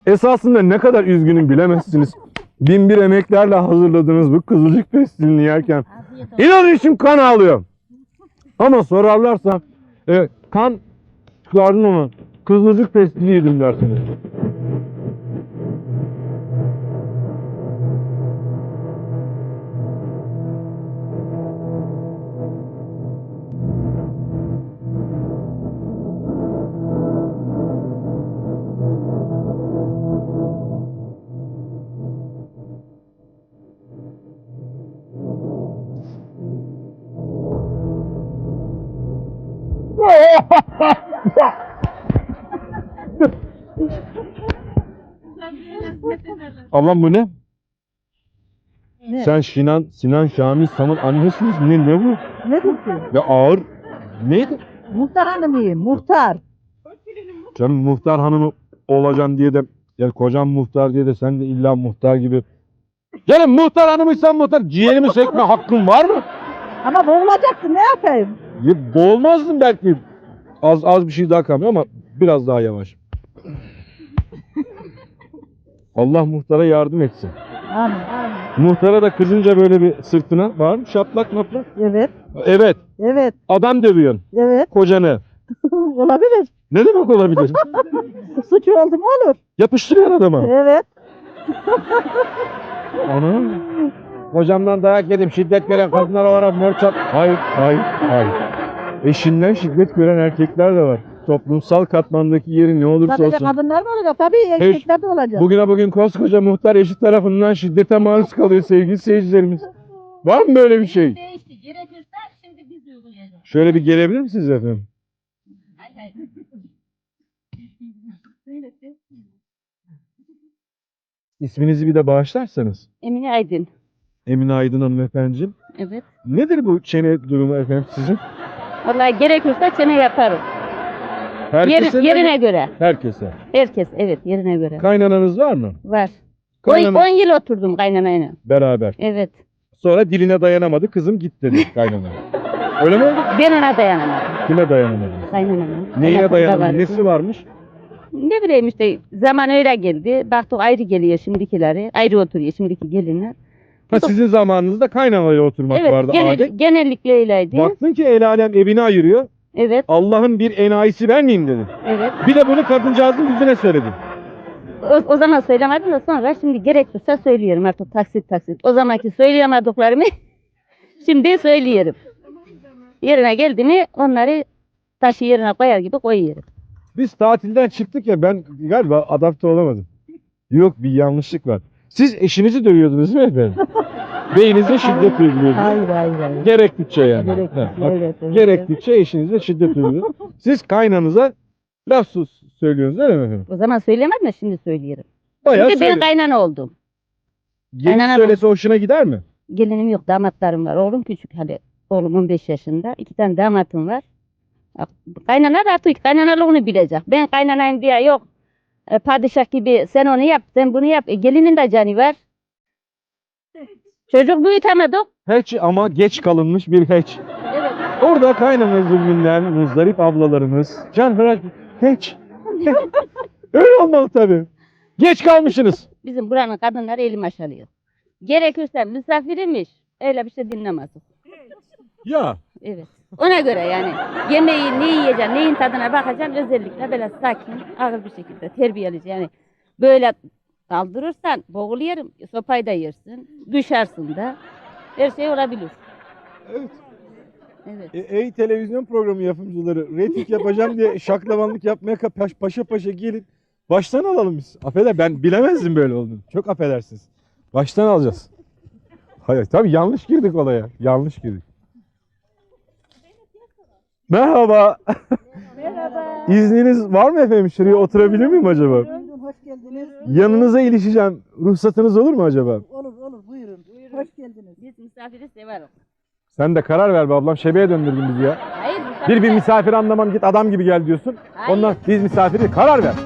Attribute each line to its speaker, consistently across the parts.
Speaker 1: Esasında ne kadar üzgünüm bilemezsiniz. Bin bir emeklerle hazırladığınız bu kızılcık pestilini yerken inanın içim kan ağlıyor. Ama sorarlarsa kan çıkardın ama kızılcık pestili yedim dersiniz. Ablam bu ne?
Speaker 2: Ne?
Speaker 1: Sen Sinan Şamil Sam'ın annesiniz. Ne bu?
Speaker 2: Ne diyorsun?
Speaker 1: Ya ağır. Neydi?
Speaker 2: Muhtar hanımıyım, muhtar.
Speaker 1: Sen muhtar hanımı olacaksın diye de yani kocam muhtar diye de sen de illa muhtar gibi. Yani muhtar hanımıysan muhtar ciğerimi sökme hakkın var mı?
Speaker 2: Ama boğulacaksın, ne yapayım?
Speaker 1: Ya, boğulmazdın belki. Az bir şey daha kalmıyor ama biraz daha yavaş. Allah muhtara yardım etsin.
Speaker 2: Amin, amin.
Speaker 1: Muhtara da kızınca böyle bir sırtına var mı? Şaplak maplak.
Speaker 2: Evet,
Speaker 1: Evet.
Speaker 2: evet,
Speaker 1: Adam dövüyorsun.
Speaker 2: evet.
Speaker 1: Kocanı.
Speaker 2: Olabilir.
Speaker 1: Ne demek olabilir?
Speaker 2: Suç oldu mu olur.
Speaker 1: Yapıştırıyor adama.
Speaker 2: Evet.
Speaker 1: Ana. Hocamdan dayak yedim. Şiddet gören kadınlar olarak mörçat. Hayır, hayır, hayır. Eşinden şiddet gören erkekler de var. Toplumsal katmandaki yeri ne olursa
Speaker 2: Sadece
Speaker 1: olsun.
Speaker 2: kadınlar mı olacak? Tabii erkekler de olacak.
Speaker 1: Bugüne bugün koskoca muhtar eşi tarafından şiddete maruz kalıyor sevgili seyircilerimiz. Var mı böyle bir şey?
Speaker 3: Değişti. Gerekirse şimdi biz uygulayacağız.
Speaker 1: Şöyle bir gelebilir misiniz efendim?
Speaker 3: Hayır, hayır.
Speaker 1: İsminizi bir de bağışlarsanız.
Speaker 3: Emine Aydın.
Speaker 1: Emine Aydın hanımefendiciğim.
Speaker 3: Evet.
Speaker 1: Nedir bu çene durumu efendim sizin?
Speaker 3: Vallahi gerekirse çene yaparım.
Speaker 1: Herkese mi?
Speaker 3: Yerine göre.
Speaker 1: Herkese.
Speaker 3: Herkes evet yerine göre.
Speaker 1: Kaynananız var mı?
Speaker 3: Var. 10
Speaker 1: Kaynana
Speaker 3: yıl oturdum kaynanayla.
Speaker 1: beraber.
Speaker 3: Evet.
Speaker 1: Sonra diline dayanamadı kızım git dedi kaynana. Öyle mi oldu?
Speaker 3: Ben ona dayanamadım.
Speaker 1: Kime dayanamadı?
Speaker 3: Kaynanama.
Speaker 1: Neyine
Speaker 3: Alakası da
Speaker 1: dayanamadı?
Speaker 3: vardı.
Speaker 1: Nesi varmış?
Speaker 3: Ne bileyim işte zaman öyle geldi. Baktık ayrı geliyor şimdikileri. Ayrı oturuyor şimdiki gelinler.
Speaker 1: Ha sizin zamanınızda kaynanayla oturmak
Speaker 3: Evet
Speaker 1: vardı adet.
Speaker 3: genellikle öyleydi.
Speaker 1: Baktın ki el alem evini ayırıyor.
Speaker 3: Evet.
Speaker 1: Allah'ın bir enayisi ben miyim dedin.
Speaker 3: Evet.
Speaker 1: Bir de bunu kadıncağızın yüzüne söyledin.
Speaker 3: O zaman söylemedim de sonra şimdi gerekirse söylüyorum artık taksit. O zamanki söyleyemediklerimi şimdi söylüyorum. Yerine geldi mi onları taşı yerine koyar gibi koyuyorum.
Speaker 1: Biz tatilden çıktık ya ben galiba adapte olamadım. Yok bir yanlışlık var. Siz eşinizi dövüyordunuz değil mi efendim? Beyinize şiddet uyguluyordunuz.
Speaker 2: Hayır, hayır, hayır.
Speaker 1: Gerektikçe yani.
Speaker 2: Gerektikçe,
Speaker 1: Ha, bak,
Speaker 2: evet, evet.
Speaker 1: gerektikçe eşinize şiddet uyguluyor. Siz kaynanıza laf söylüyorsunuz değil mi efendim?
Speaker 3: O zaman söylemedim de şimdi söylüyorum.
Speaker 1: Bayağı
Speaker 3: Şimdi ben
Speaker 1: söyle.
Speaker 3: kaynana oldum.
Speaker 1: Gelin
Speaker 3: kaynana-
Speaker 1: söylese hoşuna gider mi?
Speaker 3: Gelinim yok damatlarım var. Oğlum küçük hadi. Oğlum 15 yaşında. 2 tane damatım var. Kaynana da artık kaynanalığını bilecek. Ben kaynanayım diye yok. Padişah gibi sen onu yap, sen bunu yap. Gelinin de canı var. Çocuk büyütemedik.
Speaker 1: Hiç ama geç kalınmış bir hiç.
Speaker 3: Evet.
Speaker 1: Orada kaynana zulmünden muzdarip ablalarımız. Can Hıraç hiç. Öyle olmalı tabii. Geç kalmışsınız.
Speaker 3: Bizim buranın kadınları elim aşalıyor. Gerekirse misafirmiş. Öyle bir şey dinlemezdik.
Speaker 1: Ya.
Speaker 3: Evet. Ona göre yani yemeği ne yiyeceksin, neyin tadına bakacaksın özellikle böyle sakin, ağır bir şekilde terbiyelice yani böyle kaldırırsan boğuluyorum, sopayı da yersin, düşersin de her şey olabilir.
Speaker 1: Evet.
Speaker 3: Evet.
Speaker 1: Ey televizyon programı yapımcıları reyting yapacağım diye şaklabanlık yapmaya paşa paşa gelin. Baştan alalım biz. Affeder ben bilemezdim böyle olduğunu. Çok affedersiniz. Baştan alacağız. Hayır tabii yanlış girdik olaya. Yanlış girdik. Merhaba.
Speaker 2: Merhaba.
Speaker 1: İzniniz var mı efendim? Şuraya oturabilir miyim acaba?
Speaker 2: Buyurun, hoş geldiniz.
Speaker 1: Yanınıza ilişeceğim. Ruhsatınız olur mu acaba?
Speaker 2: Olur, buyurun. Hoş geldiniz.
Speaker 3: Biz misafiri severiz.
Speaker 1: Sen de karar ver be ablam. Şebeye döndürdün bizi ya.
Speaker 3: Hayır misafir.
Speaker 1: Bir misafir anlamam git adam gibi gel diyorsun.
Speaker 3: Hayır.
Speaker 1: Ondan biz misafiri karar ver.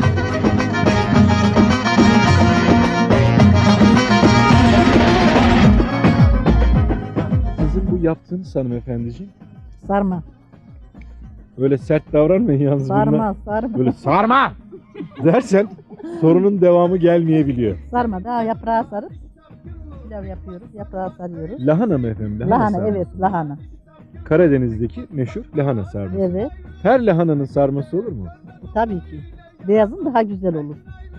Speaker 1: Sizin bu yaptığınız hanımefendiciğim
Speaker 2: Sarma.
Speaker 1: öyle sert davranmayın yalnız bunlar.
Speaker 2: Sarma.
Speaker 1: Böyle sarma dersen sorunun devamı gelmeyebiliyor.
Speaker 2: Sarma daha yaprağı sarıp pilav yapıyoruz. Yaprağı sarıyoruz.
Speaker 1: Lahana mı efendim?
Speaker 2: Lahana
Speaker 1: sarması.
Speaker 2: evet lahana.
Speaker 1: Karadeniz'deki meşhur lahana sarması.
Speaker 2: Evet
Speaker 1: Her lahananın sarması olur mu?
Speaker 2: tabii ki. Beyazın daha güzel olur.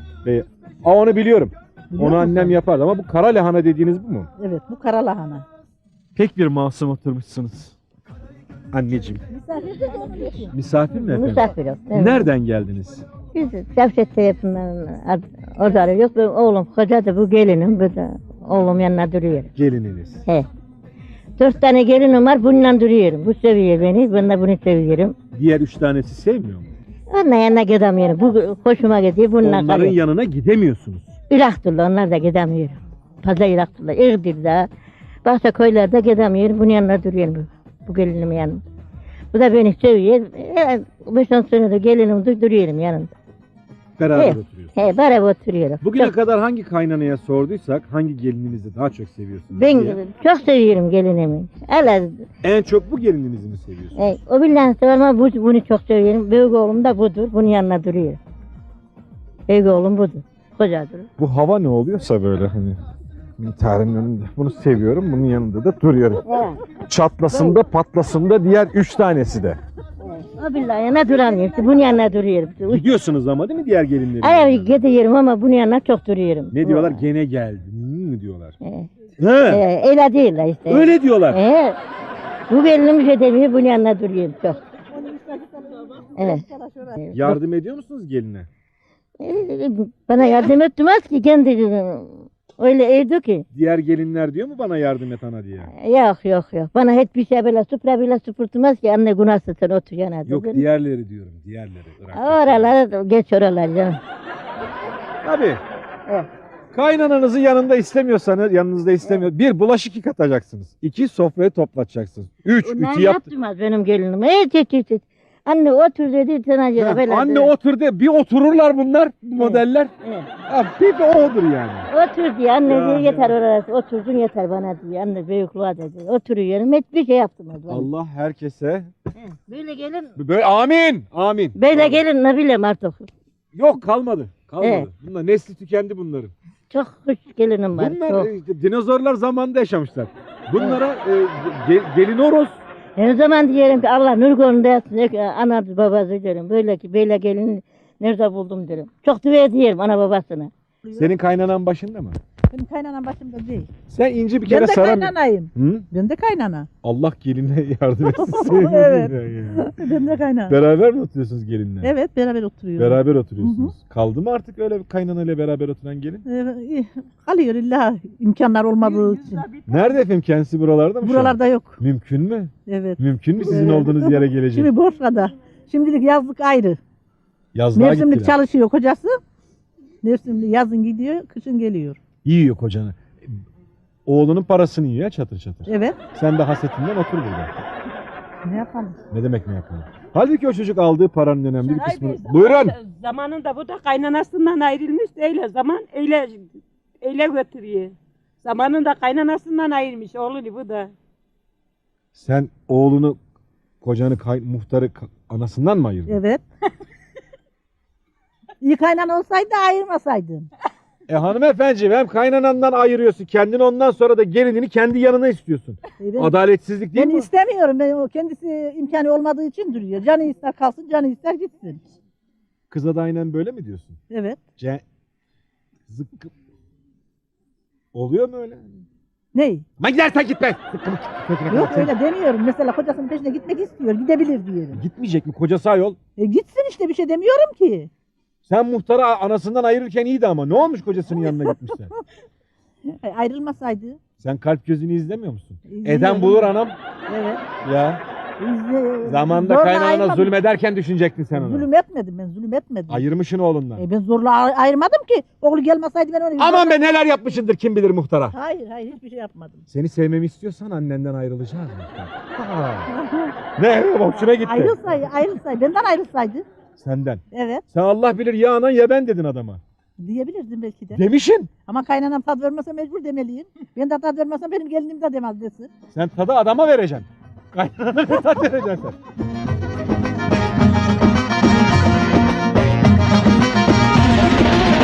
Speaker 1: Onu biliyorum.
Speaker 2: Biliyor
Speaker 1: Onu
Speaker 2: musun?
Speaker 1: annem yapardı ama bu kara lahana dediğiniz bu mu?
Speaker 2: Evet bu kara lahana.
Speaker 1: Pek bir masum oturmuşsunuz. Anneciğim.
Speaker 2: Misafir de olmuyor.
Speaker 1: Misafir mi efendim?
Speaker 4: Misafir yok. Evet.
Speaker 1: Nereden geldiniz?
Speaker 4: Biz Cevşet'te yapımdan orada arıyoruz. Ben oğlum koca da bu gelinim. Bu da oğlum yanına duruyor.
Speaker 1: Gelininiz.
Speaker 4: He. 4 tane gelinim var. Bununla duruyorum. Bu seviyor beni. Ben de bunu seviyorum.
Speaker 1: Diğer 3 tanesi sevmiyor mu?
Speaker 4: Onunla yanına gidemiyorum. Bu hoşuma gidiyor. Bununla
Speaker 1: Onların
Speaker 4: kalıyorum.
Speaker 1: yanına gidemiyorsunuz.
Speaker 4: İlahtırlar. Onlar da gidemiyorum. Fazla ilahtırlar. İğdir'de. Başka köylerde gidemiyorum. Bunun yanına duruyorum. Bu gelinim yanımda. Bu da beni seviyor. 5-10 senedir gelinim duruyorum yanında.
Speaker 1: Beraber
Speaker 4: Evet.
Speaker 1: oturuyorsunuz.
Speaker 4: He, beraber oturuyorum.
Speaker 1: Bugüne
Speaker 4: Çok-
Speaker 1: kadar hangi kaynanaya sorduysak hangi gelininizi daha çok seviyorsunuz
Speaker 4: Ben
Speaker 1: diye.
Speaker 4: çok seviyorum gelinimi. Hele
Speaker 1: En çok bu gelininizi mi seviyorsunuz?
Speaker 4: o bilen sever ama bunu çok seviyorum. Büyük oğlum da budur. Bunun yanına duruyor. Büyük oğlum budur. Kocadır.
Speaker 1: Bu hava ne oluyorsa böyle hani intiharın önünde. Bunu seviyorum, bunun yanında da duruyorum. Çatlasın da patlasın da diğer 3 tanesi de.
Speaker 4: O billahi yanına duramıyorum. İşte bunun yanına duruyorum.
Speaker 1: Gidiyorsunuz ama değil mi diğer gelinlerin?
Speaker 4: Ay
Speaker 1: yanına?
Speaker 4: gidiyorum ama bunun yanına çok duruyorum.
Speaker 1: Ne diyorlar? Gene geldi. Mi diyorlar?
Speaker 4: He.
Speaker 1: He.
Speaker 4: Öyle değil işte.
Speaker 1: Öyle diyorlar.
Speaker 4: Bu gelinim bir şey demiyor. Bunun yanına duruyorum çok. Evet.
Speaker 1: Yardım ediyor musunuz geline?
Speaker 4: Bana yardım etmez ki kendi öyle evdi ki.
Speaker 1: Diğer gelinler diyor mu bana yardım et ana diye?
Speaker 4: Yok. Bana hiçbir şey böyle süpre bile süpürtmez ki anne günahsın sen otur yana.
Speaker 1: Yok diğerleri diyorum. Diğerleri. Irak'taki.
Speaker 4: Oralara geç oralar canım.
Speaker 1: Tabii.
Speaker 4: Evet.
Speaker 1: Kaynananızı yanınızda istemiyor. Bir, bulaşık yıkatacaksınız. 2, sofrayı toplatacaksınız. 3,
Speaker 4: Onlar
Speaker 1: ütü yap.
Speaker 4: yaptırmaz benim gelinim. Hiç. Anne otur dedi sana göre
Speaker 1: Ha,
Speaker 4: böyle.
Speaker 1: anne otur de bir otururlar bunlar bu modeller.
Speaker 4: Evet.
Speaker 1: Ha, bir de odur yani.
Speaker 4: Otur diye anne
Speaker 1: Ya,
Speaker 4: diyor yeter
Speaker 1: ya.
Speaker 4: orası oturdun yeter bana diyor. Anne büyüklüğe dedi. Oturuyorum hiçbir şey yaptırmaz bana.
Speaker 1: Allah herkese
Speaker 4: Böyle gelin.
Speaker 1: böyle amin. Amin.
Speaker 4: Böyle gelin ne bileyim artık.
Speaker 1: Yok kalmadı. Kalmadı.
Speaker 4: Evet.
Speaker 1: Bunlar nesli tükendi bunların.
Speaker 4: Çok hoş gelinim var.
Speaker 1: Bunlar
Speaker 4: Çok.
Speaker 1: dinozorlar zamanında yaşamışlar. Bunlara gelin horoz.
Speaker 4: Her zaman diyelim ki Allah nur gönlünde yatsın. Ana babası derim. Böyle gelin nerede buldum derim. Çok dua ediyorum ana babasına.
Speaker 1: Senin kaynanan başında mı?
Speaker 2: Benim kaynanam başımda değil.
Speaker 1: Sen ince bir
Speaker 2: Ben
Speaker 1: kere
Speaker 2: de
Speaker 1: saramıyorsun.
Speaker 2: kaynanayım.
Speaker 1: Hı?
Speaker 2: Ben de kaynana.
Speaker 1: Allah geline yardım etsin. Senin
Speaker 2: Evet.
Speaker 1: yani.
Speaker 2: Ben de kaynana.
Speaker 1: Beraber mi oturuyorsunuz gelinle?
Speaker 2: Evet beraber oturuyoruz.
Speaker 1: Beraber oturuyorsunuz. Kaldı mı artık öyle bir kaynanayla beraber oturan gelin?
Speaker 2: Kalıyor illa imkanlar olmadığı için.
Speaker 1: Nerede efendim kendisi buralarda mı? şu an?
Speaker 2: Buralarda yok.
Speaker 1: Mümkün mü?
Speaker 2: Evet.
Speaker 1: Mümkün mü sizin
Speaker 2: Evet.
Speaker 1: olduğunuz yere gelecek?
Speaker 2: Şimdi Bosra'da. Şimdilik yazlık ayrı.
Speaker 1: Yazlığa
Speaker 2: Mevsimlik
Speaker 1: gittiler.
Speaker 2: çalışıyor kocası. Mevsimlik yazın gidiyor, kışın geliyor.
Speaker 1: Yiyor kocanı. Oğlunun parasını yiyor ya çatır çatır.
Speaker 2: Evet.
Speaker 1: Sen de hasetinden otur burada.
Speaker 2: Ne yapalım?
Speaker 1: Ne demek ne yapalım? Halbuki o çocuk aldığı paranın önemli bir
Speaker 5: Şahay
Speaker 1: kısmını...
Speaker 5: Bey,
Speaker 1: Buyurun.
Speaker 5: Zamanında bu da kaynanasından ayrılmış öyle zaman öyle götürüyor. Zamanında kaynanasından ayrılmış oğlunu bu da.
Speaker 1: Sen oğlunu, kocanı, muhtarı anasından mı ayırdın?
Speaker 2: Evet. İyi kaynana olsaydı ayırmasaydın.
Speaker 1: Hanımefendi hem kaynanandan ayırıyorsun. Kendini ondan sonra da gelinini kendi yanına istiyorsun.
Speaker 2: Ben,
Speaker 1: Adaletsizlik değil
Speaker 2: ben
Speaker 1: mi?
Speaker 2: istemiyorum. Ben, o kendisi imkanı olmadığı için duruyor. Canı ister kalsın, canı ister gitsin.
Speaker 1: Kıza da aynen böyle mi diyorsun?
Speaker 2: Evet.
Speaker 1: Zıkkı... Oluyor mu öyle?
Speaker 2: Ney?
Speaker 1: Ma gidersen git be.
Speaker 2: Yok öyle demiyorum. Mesela kocasının peşine gitmek istiyor. Gidebilir diyelim.
Speaker 1: Gitmeyecek mi? Kocası ayol.
Speaker 2: Gitsin işte bir şey demiyorum ki.
Speaker 1: Sen muhtarı anasından ayırırken iyiydi ama. Ne olmuş kocasının yanına gitmişsen?
Speaker 2: Ayrılmasaydı.
Speaker 1: Sen kalp gözünü izlemiyor musun?
Speaker 2: İzliyorum.
Speaker 1: Eden bulur anam.
Speaker 2: Evet.
Speaker 1: Ya. Zamanında
Speaker 2: Zorla
Speaker 1: kaynağına
Speaker 2: ayırmadım.
Speaker 1: zulmederken düşünecektin sen onu.
Speaker 2: Zulüm etmedim ben, zulüm etmedim.
Speaker 1: Ayırmışsın oğlundan.
Speaker 2: Ben zorla ayırmadım ki. Oğlu gelmeseydi ben onu...
Speaker 1: Aman be neler yapmışındır kim bilir muhtara.
Speaker 2: Hayır hiçbir şey yapmadım.
Speaker 1: Seni sevmemi istiyorsan annenden ayrılacağız muhtar. Ha. Ne hoşuna gitti.
Speaker 2: Ayrılsaydı, benden ayrılsaydı.
Speaker 1: Senden.
Speaker 2: Evet,
Speaker 1: Sen Allah bilir ya anan ya ben dedin adama.
Speaker 2: diyebilirdim belki de.
Speaker 1: Demişin.
Speaker 2: Ama kaynanam tad vermese mecbur demeliyim. Ben de tad vermesem benim gelinim de demez desin.
Speaker 1: Sen tadı adama vereceksin. Kaynanana ne tat vereceksin sen?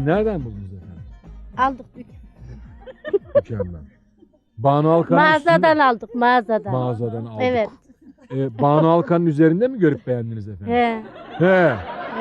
Speaker 1: Bunu nereden buldunuz efendim?
Speaker 3: Aldık
Speaker 1: Mükemmel. Banu Alkan'ın
Speaker 3: mağazadan aldık mağazadan.
Speaker 1: Mağazadan aldık.
Speaker 3: Evet.
Speaker 1: Banu Alkan'ın üzerinde mi görüp beğendiniz efendim?
Speaker 3: He.
Speaker 1: He.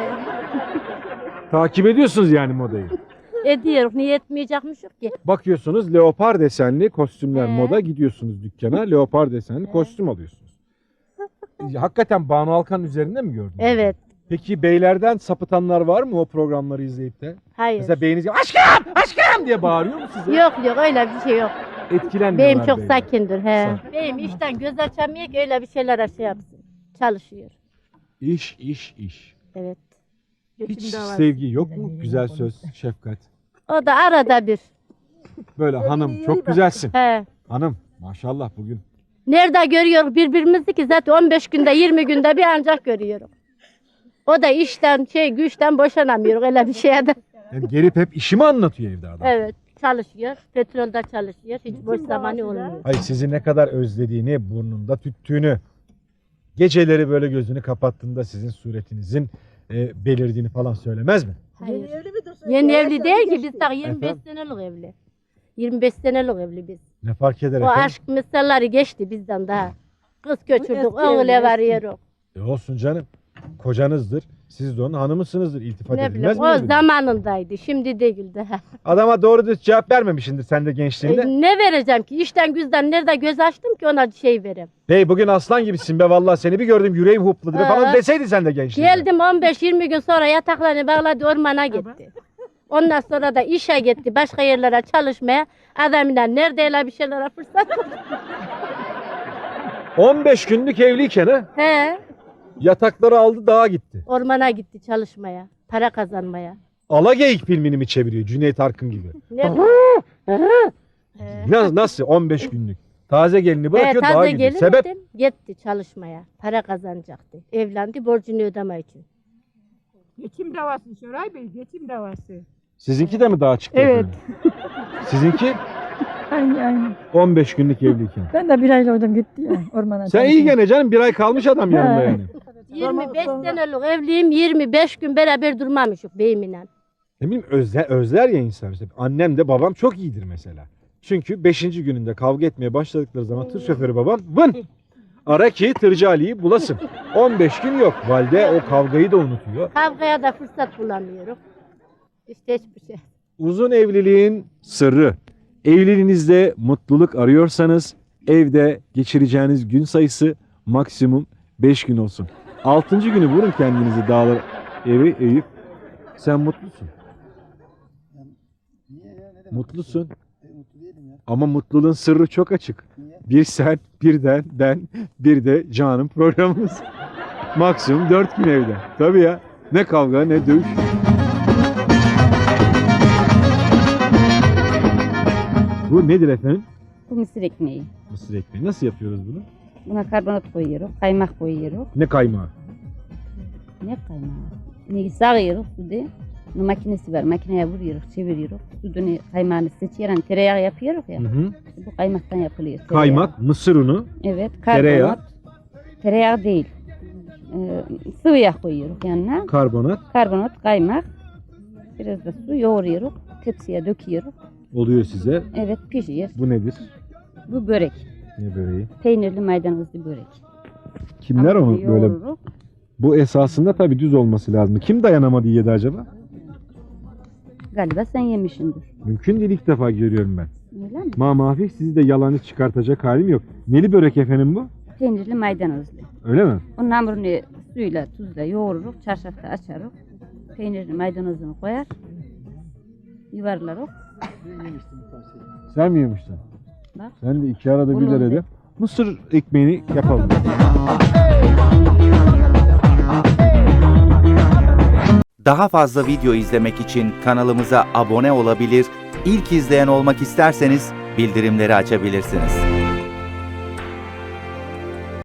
Speaker 1: Takip ediyorsunuz yani modayı.
Speaker 3: Ediyoruz. Niye etmeyecekmişik ki?
Speaker 1: Bakıyorsunuz leopar desenli kostümler
Speaker 3: He.
Speaker 1: moda, gidiyorsunuz dükkana leopar desenli kostüm alıyorsunuz. Hakikaten Banu Alkan'ın üzerinde mi gördünüz?
Speaker 3: Evet.
Speaker 1: Peki beylerden sapıtanlar var mı o programları izleyip de?
Speaker 3: Hayır.
Speaker 1: Mesela beyiniz aşkım aşkım diye bağırıyor mu size?
Speaker 3: Yok öyle bir şey yok.
Speaker 1: Etkilenmiyorlar
Speaker 3: Beyim çok
Speaker 1: beyler.
Speaker 3: sakindir. He.
Speaker 1: Sakin.
Speaker 3: Beyim işten göz açamıyor ki öyle bir şeyler şey yapsın. Çalışıyor.
Speaker 1: İş.
Speaker 3: Evet.
Speaker 1: Hiç sevgi yok mu? Güzel söz, şefkat.
Speaker 3: O da arada bir.
Speaker 1: Böyle hanım çok güzelsin.
Speaker 3: He.
Speaker 1: Hanım maşallah bugün.
Speaker 3: Nerede görüyoruz birbirimizi ki zaten 15 günde 20 günde bir ancak görüyoruz. O da işten güçten boşanamıyoruz öyle bir şeye de.
Speaker 1: Yani gelip hep işimi anlatıyor evde adam.
Speaker 3: Evet çalışıyor. Petrolde çalışıyor. Hiç boş zamanı olmuyor.
Speaker 1: Ay sizi ne kadar özlediğini, burnunda tüttüğünü, geceleri böyle gözünü kapattığında sizin suretinizin belirdiğini falan söylemez mi?
Speaker 3: Hayır.
Speaker 2: Yeni evli midir?
Speaker 3: Yeni evli değil ki biz daha 25
Speaker 1: Efendim?
Speaker 3: senelik evli. 25 senelik evli biz.
Speaker 1: Ne fark eder
Speaker 3: O
Speaker 1: efendim?
Speaker 3: aşk meseleleri geçti bizden daha. Kız göçürdük,
Speaker 2: eski
Speaker 3: oğul
Speaker 2: evli,
Speaker 3: varıyoruz.
Speaker 1: Olsun canım. Kocanızdır. Siz de onun hanımısınızdır. İltifat
Speaker 3: Ne
Speaker 1: edilmez
Speaker 3: bileyim,
Speaker 1: mi?
Speaker 3: o
Speaker 1: birbirine?
Speaker 3: zamanındaydı, şimdi değil daha.
Speaker 1: Adama doğru düz cevap vermemişsindir sen de gençliğinde.
Speaker 3: Ne vereceğim ki? İşten güzden nerede göz açtım ki ona şey vereyim.
Speaker 1: Hey bugün aslan gibisin be vallahi seni bir gördüm yüreğim hopladı be falan deseydin sen de gençliğinde.
Speaker 3: Geldim 15-20 gün sonra yataklarını bağladı ormana gitti. Ondan sonra da işe gitti, başka yerlere çalışmaya. Adamla nerede öyle bir şeylere fırsat yok.
Speaker 1: 15 günlük evliyken ha,
Speaker 3: He,
Speaker 1: yatakları aldı dağa gitti.
Speaker 3: ormana gitti çalışmaya, para kazanmaya.
Speaker 1: Alageyik filmini mi çeviriyor Cüneyt Arkın gibi?
Speaker 3: Ne?
Speaker 1: Nasıl 15 günlük? Taze gelini bırakıyor dağa
Speaker 3: taze
Speaker 1: gidiyor.
Speaker 3: gelin
Speaker 1: Sebep?
Speaker 3: dedim, gitti çalışmaya, para kazanacaktı. Evlendi, borcunu ödeme için.
Speaker 5: Geçim davası Şoray Bey, geçim davası.
Speaker 1: Sizinki de mi dağa çıktı?
Speaker 2: Evet.
Speaker 1: efendim? Sizinki
Speaker 2: Aynen.
Speaker 1: 15 günlük evliyken.
Speaker 2: Ben de bir ayla oradan gitti ya ormana.
Speaker 1: Sen iyi gene canım bir ay kalmış adam yanında
Speaker 2: He.
Speaker 1: yani.
Speaker 3: 25
Speaker 2: sonra-
Speaker 3: senelik evliyim, 25 gün beraber durmamışık beyimle.
Speaker 1: Ne bileyim özler ya insan. Mesela annem de babam çok iyidir mesela. Çünkü 5. gününde kavga etmeye başladıkları zaman tır şoförü babam vın ara ki tırcı Ali'yi bulasın. 15 gün yok. Valide o kavgayı da unutuyor.
Speaker 3: Kavgaya da fırsat bulamıyoruz. İşte hiçbir şey.
Speaker 1: Uzun evliliğin sırrı. Evliliğinizde mutluluk arıyorsanız evde geçireceğiniz gün sayısı maksimum 5 gün olsun. 6. günü vurun kendinizi dağlar evi eğip sen mutlusun. Mutlusun. Ama mutluluğun sırrı çok açık. Bir sen, birden ben, bir de Can'ın programımız. Maksimum 4 gün evde. Tabii ya. Ne kavga ne dövüş. Bu nedir efendim?
Speaker 3: Bu mısır ekmeği.
Speaker 1: Mısır ekmeği. Nasıl yapıyoruz bunu?
Speaker 3: Buna karbonat koyuyoruz, kaymak koyuyoruz.
Speaker 1: Ne kaymağı?
Speaker 3: Ne kaymağı? Ne sağıyoruz suda. Bunun makinesi var, makineye vuruyoruz, çeviriyoruz. Sudunu, kaymağını seçiyoruz, tereyağı yapıyoruz ya.
Speaker 1: Hı hı.
Speaker 3: Bu kaymaktan yapılıyor. tereyağı.
Speaker 1: Kaymak, mısır unu,
Speaker 3: Evet, karbonat.
Speaker 1: tereyağı.
Speaker 3: Tereyağı değil. Sıvı yağ koyuyoruz yanına.
Speaker 1: karbonat
Speaker 3: Karbonat, kaymak. Biraz da su yoğuruyoruz. Tepsiye döküyoruz.
Speaker 1: oluyor size.
Speaker 3: Evet, pişiyor.
Speaker 1: Bu nedir?
Speaker 3: Bu börek.
Speaker 1: Ne böreği?
Speaker 3: Peynirli maydanozlu börek.
Speaker 1: Kimler onu
Speaker 3: Hamuru
Speaker 1: böyle?
Speaker 3: yoğururuz.
Speaker 1: Bu esasında tabii düz olması lazım. Kim dayanamadı yedi acaba?
Speaker 3: Galiba sen yemişsindir.
Speaker 1: Mümkün değil ilk defa görüyorum ben.
Speaker 3: Öyle mi?
Speaker 1: Mamafi sizi de yalanı çıkartacak halim yok. Neli börek efendim bu?
Speaker 3: Peynirli maydanozlu.
Speaker 1: Öyle mi?
Speaker 3: Onun hamurunu suyla, tuzla yoğururuz. Çarşafta açarız. Peynirli maydanozunu koyar. Yuvarlarız.
Speaker 1: Sen mi yemiştin?
Speaker 3: Bak.
Speaker 1: Sen de iki arada bir
Speaker 3: Bunun
Speaker 1: arada.
Speaker 3: da.
Speaker 1: Mısır ekmeğini yapalım.
Speaker 6: Daha fazla video izlemek için kanalımıza abone olabilir, ilk izleyen olmak isterseniz bildirimleri açabilirsiniz.